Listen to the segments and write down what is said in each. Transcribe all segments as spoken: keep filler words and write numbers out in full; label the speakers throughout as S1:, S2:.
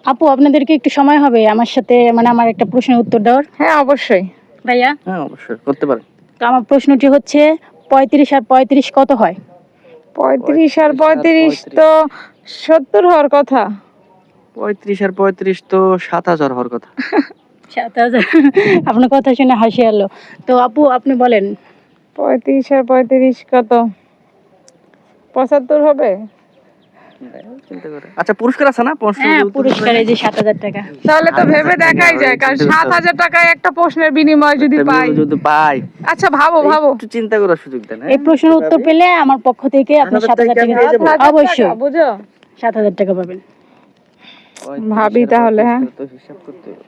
S1: আপু আপনাদেরকে একটু সময় হবে আমার সাথে মানে আমার একটা প্রশ্নের উত্তর দেওয়ার?
S2: হ্যাঁ অবশ্যই
S1: ভাইয়া
S3: হ্যাঁ অবশ্যই করতে পারেন।
S1: তো আমার প্রশ্নটি হচ্ছে পঁয়ত্রিশ আর পঁয়ত্রিশ কত হয়?
S2: পঁয়ত্রিশ আর পঁয়ত্রিশ তো সত্তর হওয়ার কথা।
S3: পঁয়ত্রিশ আর পঁয়ত্রিশ তো সাত হাজার হওয়ার কথা।
S1: সাত হাজার আপনার কথা শুনে হাসি এলো। তো আপু আপনি বলেন।
S2: পঁয়ত্রিশ আর পঁয়ত্রিশ কত? পঁচাত্তর হবে?
S3: চিন্তা করে আচ্ছা পুরস্কার আছে না?
S1: হ্যাঁ পুরস্কার এই যে সাত হাজার টাকা।
S2: তাহলে তো ভেবে দেখাই যায়, কারণ সাত হাজার টাকায় একটা প্রশ্নের বিনিময় যদি পাই।
S3: যদি পাই
S2: আচ্ছা ভাবো ভাবো,
S3: একটু চিন্তা করার সুযোগ দেন।
S1: এই প্রশ্নের উত্তর পেলে আমার পক্ষ থেকে আপনি সাত হাজার টাকা দিয়ে দেবো। অবশ্যই
S2: বুঝো
S1: সাত হাজার টাকা পাবেন।
S2: ভাবি তাহলে। হ্যাঁ
S3: তো হিসাব করতে হবে।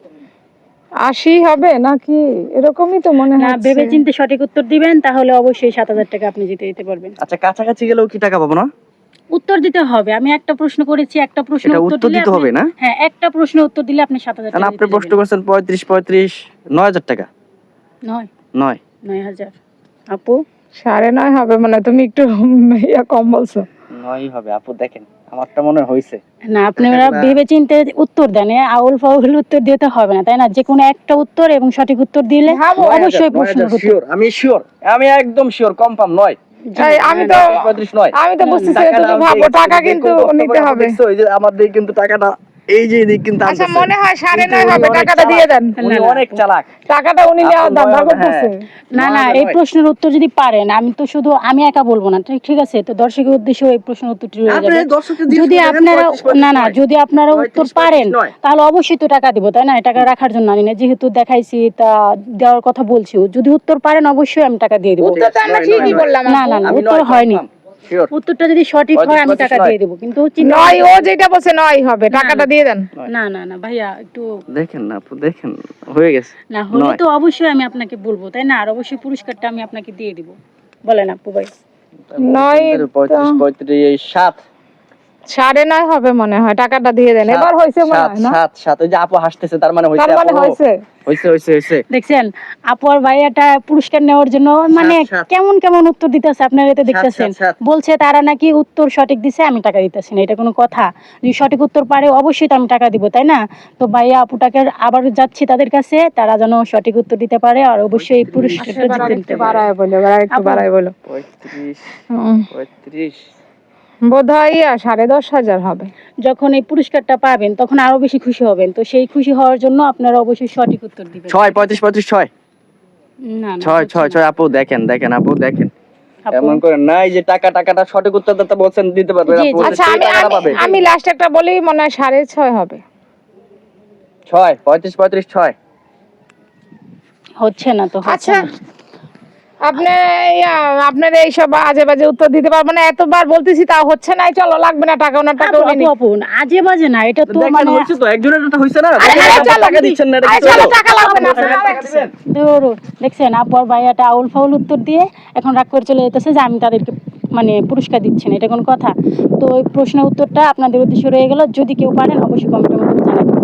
S2: আশি হবে নাকি এরকমই তো মনে
S1: না
S2: হয়।
S1: ভেবে চিন্তে সঠিক উত্তর দিবেন তাহলে অবশ্যই সাত হাজার টাকা আপনি জিতে দিতে পারবেন।
S3: আচ্ছা কাছাকাছি গেলেও কি টাকা পাবো না?
S1: উত্তর দিতে হবে। আমি একটা প্রশ্ন করেছি, একটা প্রশ্ন
S3: এটা
S1: উত্তর
S3: উত্তর
S1: দিলে
S3: দিতে হবে
S1: আপনি-
S3: না?
S1: হ্যাঁ একটা প্রশ্ন উত্তর দিলে আপনি সাত হাজার
S3: কারণ
S1: টাকা
S3: আপনি
S1: জিতে
S3: প্রশ্ন
S1: যাবেন।
S3: করছেন পঁয়ত্রিশ পঁয়ত্রিশ নয় হাজার টাকা।
S1: নয়
S3: নয়
S1: নয় হাজার। আপু
S2: সাড়ে নয় হবে মানে, তুমি একটু ইয়া কম বলছো।
S3: নয়ই হবে আপু, দেখেন আমারটা মনে হইছে।
S1: না আপনারা ভেবে চিন্তে উত্তর দেন, এ আউল ফাউল উত্তর দিতে হবে না তাই না? যে কোনো একটা উত্তর এবং সঠিক উত্তর দিলে অবশ্যই প্রশ্ন
S3: শিওর, আমি শিওর, আমি একদম শিওর, কনফার্ম নয়।
S2: এই, আমি তো
S3: পঁয়ত্রিশ নয়।
S2: আমি তো বুঝতেছি না, তুমি ভাবো টাকা কিন্তু নিতে হবে।
S3: এই যে আমাদের কিন্তু টাকাটা এই যে এদিক কিন্তু
S2: আচ্ছা
S3: আনতেছে।
S2: মনে হয় সাড়ে
S3: কিন্তু
S2: নয়
S3: উনি
S2: হবে,
S3: অনেক
S2: টাকাটা দিয়ে দেন।
S3: উনি অনেক চালাক।
S2: টাকাটা উনি নেওয়ার
S3: আপু,
S2: ধান্দা
S3: নয় হবে,
S2: করতেছে।
S1: না না এই প্রশ্নের উত্তর যদি পারেন, আমি তো শুধু আমি একা বলবো না, ঠিক ঠিক আছে? তো দর্শকের উদ্দেশ্যে এই প্রশ্নের উত্তরটি রয়ে যাবে। যদি আপনারা না না যদি আপনারা উত্তর পারেন তাহলে অবশ্যই তো টাকা দিব তাই না? টাকা রাখার জন্য আনি না, যেহেতু দেখাইছি তা দেওয়ার কথা বলছি। যদি উত্তর পারেন অবশ্যই আমি টাকা দিয়ে দিব।
S2: উত্তর তো আমরা ঠিকই বললাম।
S1: না না না উত্তর হয়নি। উত্তরটা যদি সঠিক হয় আমি টাকা দিয়ে দেব, কিন্তু
S2: নয় ও যেটা বলছে নয় হবে, টাকাটা দিয়ে দেন।
S1: না না না ভাইয়া একটু
S3: দেখেন না আপু, দেখেন হয়ে গেছে।
S1: না হলে তো অবশ্যই আমি আপনাকে বলবো তাই না? আর অবশ্যই পুরস্কারটা আমি আপনাকে দিয়ে দিব। বলেন আপু ভাই।
S2: নয়
S3: পঁয়ত্রিশ পঁয়ত্রিশ সাত
S2: সাড়ে নয় হবে মনে হয়, টাকাটা দিয়ে দেন। এবার হয়েছে মনে হয় না?
S3: সাত সাত ওই যে আপু হাসতেছে তার মানে হইছে।
S2: তার মানে হয়েছে
S3: হইছে হইছে হইছে।
S1: দেখছেন আপু আর ভাইয়াটা পুরস্কার নেওয়ার জন্য মানে কেমন কেমন উত্তর দিতেছে আপনারা এটা দেখতেছেন। বলছে তারা নাকি উত্তর সঠিক দিছে আমি টাকা দিতেছি না, এটা কোনো কথা? যদি সঠিক উত্তর পারে অবশ্যই তো আমি টাকা দিব তাই না? তো ভাইয়া আপুটাকে আবার যাচ্ছি তাদের কাছে, তারা যেন সঠিক উত্তর দিতে পারে আর অবশ্যই এই পুরস্কারটা জিতে নিতে পারে।
S2: বাড়ায় বলো, একটু বাড়ায় বলো।
S3: পঁয়ত্রিশ পঁয়ত্রিশ
S2: বোধহয় সাড়ে দশ হাজার হবে।
S1: যখন এই পুরস্কারটা পাবেন তখন আরো বেশি খুশি হবেন। তো সেই খুশি হওয়ার জন্য আপনারা অবশ্যই সঠিক উত্তর দিবেন।
S3: ছয় পঁয়ত্রিশ পঁয়ত্রিশ ছয়
S1: না না
S3: ছয় ছয় ছয় আপু দেখেন দেখেন আপু দেখেন,
S1: আপু।
S3: এমন করে নাই যে টাকা টাকাটা সঠিক উত্তর দিতে বলছেন দিতে পারবে
S1: জি,
S3: আপু।
S1: জি।
S2: আচ্ছা আমি আমি- আমি লাস্ট একটা বলি, মনে হয় সাড়ে ছয় হবে।
S3: ছয় পঁয়ত্রিশ পঁয়ত্রিশ ছয়
S1: হচ্ছে না তো হচ্ছে
S2: আচ্ছা
S1: না।
S2: আপনি ইয়া, আপনার এইসব আজে বাজে উত্তর দিতে পারবো না, এতবার বলতেছি তাও হচ্ছে না। চলো লাগবে না টাকা, ওনার টাকা
S1: আপু,
S2: উনি
S1: আপু,
S2: নিন।
S1: আপু, আজে বাজে না, এটা তো
S3: দেখেন
S1: মানে
S3: হইছে তো, একজনের এটা হইছে না,
S2: আরে হ্যাঁ, চলো,
S3: টাকা দিচ্ছেন না, এটা
S2: আরে
S3: কি
S2: চলো,
S3: চলো?
S2: টাকা লাগবে না।
S3: টাকা দিবেন?
S1: ধরো, দেখছেন আপু আর ভাইয়াটা আউল ফাউল উত্তর দিয়ে এখন রাগ করে চলে যেতেছে যে আমি তাদেরকে মানে পুরস্কার দিচ্ছি না, এটা কোনো কথা? তো ওই প্রশ্নের উত্তরটা আপনাদের উদ্দেশ্যে রয়ে গেল। যদি কেউ পারেন অবশ্যই কমেন্টের মধ্যে জানাবেন।